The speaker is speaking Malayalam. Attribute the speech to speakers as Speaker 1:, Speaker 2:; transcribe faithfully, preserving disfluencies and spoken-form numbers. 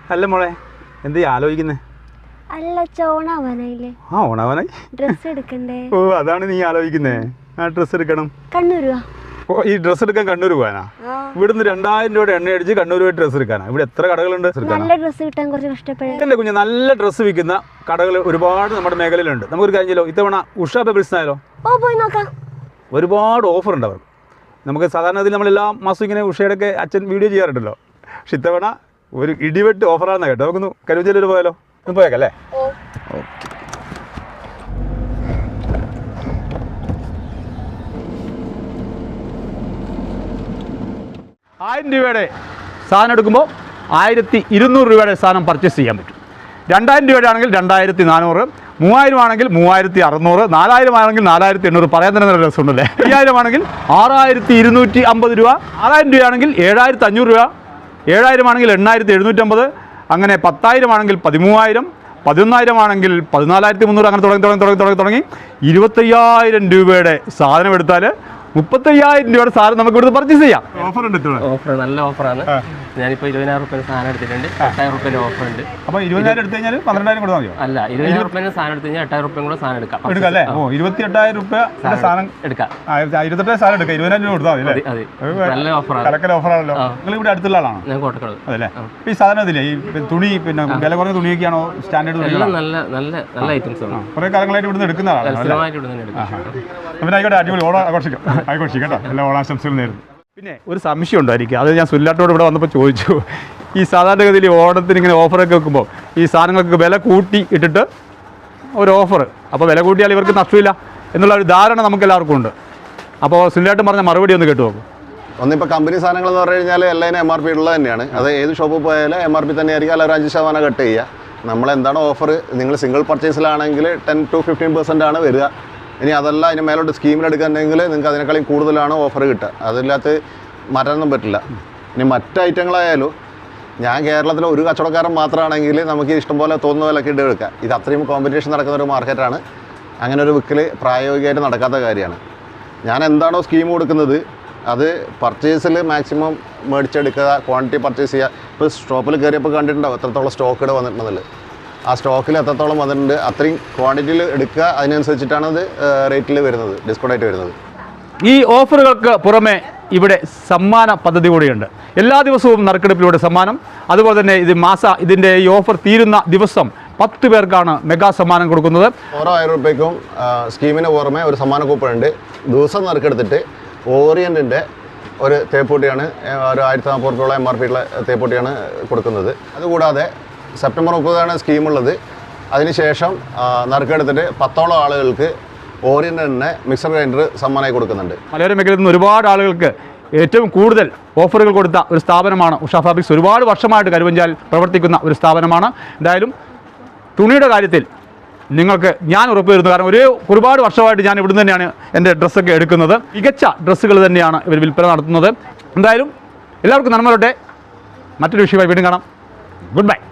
Speaker 1: അല്ല മോളെ എന്ത് ആലോചിക്കുന്നേ?
Speaker 2: അല്ല ഓണാവാനായില്ലേ?
Speaker 1: ആ ഓണാവാനായി.
Speaker 2: ഡ്രസ് എടുക്കണ്ടേ?
Speaker 1: ഓ അതാണ് നീ ആലോചിക്കുന്നേ. ആ ഡ്രസ് എടുക്കണം.
Speaker 2: കണ്ണൂർ
Speaker 1: ഓ ഈ ഡ്രസ് എടുക്കാൻ കണ്ണൂർ പോകാനാ? ഇവിടുന്ന് രണ്ടായിരം രൂപയുടെ എണ്ണ അടിച്ച് കണ്ണൂർ പോയി ഡ്രസ് എടുക്കാനാ? ഇവിടെ എത്ര കടകളുണ്ട്?
Speaker 2: നല്ല ഡ്രസ് കിട്ടാൻ കുറച്ച് കഷ്ടപ്പെടും.
Speaker 1: എന്റെ കുഞ്ഞ്, നല്ല ഡ്രസ്സ് വിൽക്കുന്ന കടകൾ ഒരുപാട് നമ്മുടെ മേഖലയിലുണ്ട്. നമുക്കൊരു കാര്യം ചെയ്യലോ, ഇത്തവണ ഉഷ പെബിൾസ് ആയാലോ?
Speaker 2: ഓ പോയി നോക്കാം.
Speaker 1: ഒരുപാട് ഓഫർ ഉണ്ട് അവർക്ക്. നമുക്ക് സാധാരണ ഇതിൽ നമ്മളെല്ലാ മാസവും ഇങ്ങനെ ഉഷയുടെ ഒക്കെ അച്ഛൻ വീഡിയോ ചെയ്യാറുണ്ടല്ലോ. പക്ഷെ ഇത്തവണ ഒരു ഇടിവെട്ട് ഓഫറാണെന്ന് കേട്ടോ. നമുക്കൊന്ന് കരുവഞ്ചേരി പോയാലോ? ഒന്ന് പോയേക്കല്ലേ? ആയിരം രൂപയുടെ സാധനം എടുക്കുമ്പോൾ ആയിരത്തി ഇരുന്നൂറ് രൂപയുടെ സാധനം പർച്ചേസ് ചെയ്യാൻ പറ്റും. രണ്ടായിരം രൂപയുടെ ആണെങ്കിൽ രണ്ടായിരത്തി നാനൂറ്, മൂവായിരം ആണെങ്കിൽ മൂവായിരത്തി അറുന്നൂറ്, നാലായിരം ആണെങ്കിൽ നാലായിരത്തി എണ്ണൂറ്. പറയാൻ തന്നെ നല്ല രസമുണ്ടല്ലേ? അയ്യായിരം ആണെങ്കിൽ ആറായിരത്തി ഇരുന്നൂറ്റി അമ്പത് രൂപ, ആറായിരം രൂപയാണെങ്കിൽ ഏഴായിരത്തി അഞ്ഞൂറ് രൂപ, ഏഴായിരം ആണെങ്കിൽ എണ്ണായിരത്തി എഴുന്നൂറ്റമ്പത്, അങ്ങനെ പത്തായിരം ആണെങ്കിൽ പതിമൂവായിരം, പതിനൊന്നായിരം ആണെങ്കിൽ പതിനാലായിരത്തി മുന്നൂറ്, അങ്ങനെ തുടങ്ങി തുടങ്ങി തുടങ്ങി തുടങ്ങി തുടങ്ങി ഇരുപത്തയ്യായിരം രൂപയുടെ സാധനം എടുത്താൽ മുപ്പത്തയ്യായിരം രൂപയുടെ സാധനം നമുക്ക് ഇവിടുന്ന് പർച്ചേസ് ചെയ്യാം. ഓഫർ ഉണ്ട്.
Speaker 3: ഓഫർ നല്ല ഓഫറാണ്. ഞാനിപ്പോൾ ഇരുപതിനായിരം റുപ്യ സാധനം എടുത്തിട്ടുണ്ട്. എട്ടായിരം റുപ്യൻ്റെ ഓഫർ ഉണ്ട്. അപ്പോൾ
Speaker 1: ഇരുപതിനായിരം എടുത്തു കഴിഞ്ഞാൽ പന്ത്രണ്ടായിരം കൊടുത്താൽ മതിയോ?
Speaker 3: അല്ല, ഇരുപതിനായിരം റുപ്യൻ്റെ സാധനം എടുത്തു കഴിഞ്ഞാൽ എട്ടായിരം റുപ്യ കൂടെ സാധനം എടുക്കാം.
Speaker 1: എടുക്കാം അല്ലേ? ഓ ഇരുപത്തി എട്ടായിരം റുപ്യ സാധനം എടുക്കാം. ഇരുപത്തെട്ടായിരം സാധനം എടുക്കാം. ഇരുപതിനായിരം രൂപ കൊടുത്താൽ മതി അല്ലേ? നല്ല ഓഫറാണ്. കലക്കൽ ഓഫറാണല്ലോ. നിങ്ങൾ ഇവിടെ അടുത്തുള്ള ആളാണോ? ഞാൻ കോട്ടക്കൽ. അതല്ലേ? ഈ സാധനം ഇതില്ലേ, ഈ തുണി പിന്നെ വില കുറഞ്ഞ തുണിയൊക്കെയാണോ? സ്റ്റാൻഡേർഡ് തുണി?
Speaker 3: നല്ല നല്ല നല്ല ഐറ്റംസ് ആണ്.
Speaker 1: കുറേ കാലങ്ങളായിട്ട് ഇവിടുന്ന് എടുക്കുന്ന ആളാണ്. പിന്നെ ആയിക്കോട്ടെ, അടിപൊളി ഓണം ആഘോഷിക്കും. ആഘോഷിക്കും കേട്ടോ. എല്ലാ ഓണാശംസകളും നേരുന്നു. പിന്നെ ഒരു സംശയം ഉണ്ടായിരിക്കും, അത് ഞാൻ സുല്ലാട്ടോട് ഇവിടെ വന്നപ്പോൾ ചോദിച്ചു. ഈ സാധാരണഗതിയിൽ ഓണത്തിന് ഇങ്ങനെ ഓഫറൊക്കെ വെക്കുമ്പോൾ ഈ സാധനങ്ങൾക്ക് വില കൂട്ടി ഇട്ടിട്ട് ഒരു ഓഫർ, അപ്പോൾ വില കൂട്ടിയാൽ ഇവർക്ക് നഷ്ടമില്ല എന്നുള്ള ഒരു ധാരണ നമുക്ക് എല്ലാവർക്കും ഉണ്ട്. അപ്പോൾ സുല്ലാട്ടൻ പറഞ്ഞ മറുപടി ഒന്ന് കേട്ടു നോക്കും.
Speaker 4: ഒന്നിപ്പോൾ കമ്പനി സാധനങ്ങൾ എന്ന് പറഞ്ഞു കഴിഞ്ഞാൽ എല്ലാവരും എം ആർ പി ഉള്ളത് തന്നെയാണ്. അത് ഏത് ഷോപ്പിൽ പോയാലും എം ആർ പി തന്നെ ആയിരിക്കും. അല്ലെങ്കിൽ ഒരു അഞ്ച് ശതമാനം കട്ട് ചെയ്യുക. നമ്മളെന്താണ് ഓഫർ, നിങ്ങൾ സിംഗിൾ പർച്ചേസിലാണെങ്കിൽ ടെൻ ടു ഫിഫ്റ്റീൻ പെർസെൻ്റ് ആണ് വരിക. ഇനി അതല്ല അതിന് മേലോട്ട് സ്കീമിലെടുക്കുന്നുണ്ടെങ്കിൽ നിങ്ങൾക്ക് അതിനേക്കാളും കൂടുതലാണ് ഓഫർ കിട്ടുക. അതില്ലാത്ത മാറ്റാനൊന്നും പറ്റില്ല. ഇനി മറ്റ് ഐറ്റങ്ങളായാലും ഞാൻ കേരളത്തിലെ ഒരു കച്ചവടക്കാരൻ മാത്രമാണെങ്കിൽ നമുക്ക് ഇഷ്ടംപോലെ തോന്നുന്ന വിലക്ക് ഇട്ട് എടുക്കാം. ഇത് അത്രയും കോമ്പറ്റീഷൻ നടക്കുന്ന ഒരു മാർക്കറ്റാണ്. അങ്ങനെ ഒരു വിൽക്കൽ പ്രായോഗികമായിട്ട് നടക്കാത്ത കാര്യമാണ്. ഞാൻ എന്താണോ സ്കീം കൊടുക്കുന്നത് അത് പർച്ചേസിൽ മാക്സിമം മേടിച്ചെടുക്കുക, ക്വാണ്ടിറ്റി പർച്ചേസ് ചെയ്യുക. ഇപ്പോൾ ഷോപ്പിൽ കയറിയപ്പോൾ കണ്ടിട്ടുണ്ടാവും എത്രത്തോളം സ്റ്റോക്ക് ഇവിടെ വന്നിട്ടുണ്ടെന്നില്ല. ആ സ്റ്റോക്കിൽ എത്രത്തോളം വന്നിട്ടുണ്ട് അത്രയും ക്വാണ്ടിറ്റിയിൽ എടുക്കുക. അതിനനുസരിച്ചിട്ടാണ് അത് റേറ്റിൽ വരുന്നത്, ഡിസ്കൗണ്ട് ആയിട്ട് വരുന്നത്.
Speaker 1: ഈ ഓഫറുകൾക്ക് പുറമെ ഇവിടെ സമ്മാന പദ്ധതി കൂടിയുണ്ട്. എല്ലാ ദിവസവും നറുക്കെടുപ്പിലൂടെ സമ്മാനം. അതുപോലെ തന്നെ ഇത് മാസ ഇതിൻ്റെ ഈ ഓഫർ തീരുന്ന ദിവസം പത്ത് പേർക്കാണ് മെഗാ സമ്മാനം കൊടുക്കുന്നത്.
Speaker 4: ഓരോ ആയിരം റുപ്യക്കും സ്കീമിന് പുറമെ ഒരു സമ്മാന കൂപ്പണുണ്ട്. ദിവസം നറുക്കെടുത്തിട്ട് ഓറിയൻറ്റിൻ്റെ ഒരു തേപ്പൂട്ടിയാണ്, ഒരു ആയിരത്തി നാൽപ്പത് റുപ്യോളം എം ആർ പി ഉള്ള തേപ്പൂട്ടിയാണ് കൊടുക്കുന്നത്. അതുകൂടാതെ സെപ്റ്റംബർ മുപ്പതാണ് സ്കീമുള്ളത്. അതിനുശേഷം നറുക്കെടുത്തിട്ട് പത്തോളം ആളുകൾക്ക് ഓറിയൻ്റ് തന്നെ മിക്സർ ഗ്രൈൻഡർ സമ്മാനമായി കൊടുക്കുന്നുണ്ട്.
Speaker 1: മലയോര മേഖലയിൽ നിന്ന് ഒരുപാട് ആളുകൾക്ക് ഏറ്റവും കൂടുതൽ ഓഫറുകൾ കൊടുത്ത ഒരു സ്ഥാപനമാണ് ഉഷ ഫാബ്രിക്സ്. ഒരുപാട് വർഷമായിട്ട് കരുവഞ്ചാൽ പ്രവർത്തിക്കുന്ന ഒരു സ്ഥാപനമാണ്. എന്തായാലും തുണിയുടെ കാര്യത്തിൽ നിങ്ങൾക്ക് ഞാൻ ഉറപ്പ് വരുന്നു. കാരണം ഒരേ ഒരുപാട് വർഷമായിട്ട് ഞാൻ ഇവിടുന്ന് തന്നെയാണ് എൻ്റെ ഡ്രസ്സൊക്കെ എടുക്കുന്നത്. മികച്ച ഡ്രസ്സുകൾ തന്നെയാണ് ഇവർ വിൽപ്പന നടത്തുന്നത്. എന്തായാലും എല്ലാവർക്കും നന്മ വരട്ടെ. മറ്റൊരു വിഷയമായി വീണ്ടും കാണാം. Good bye.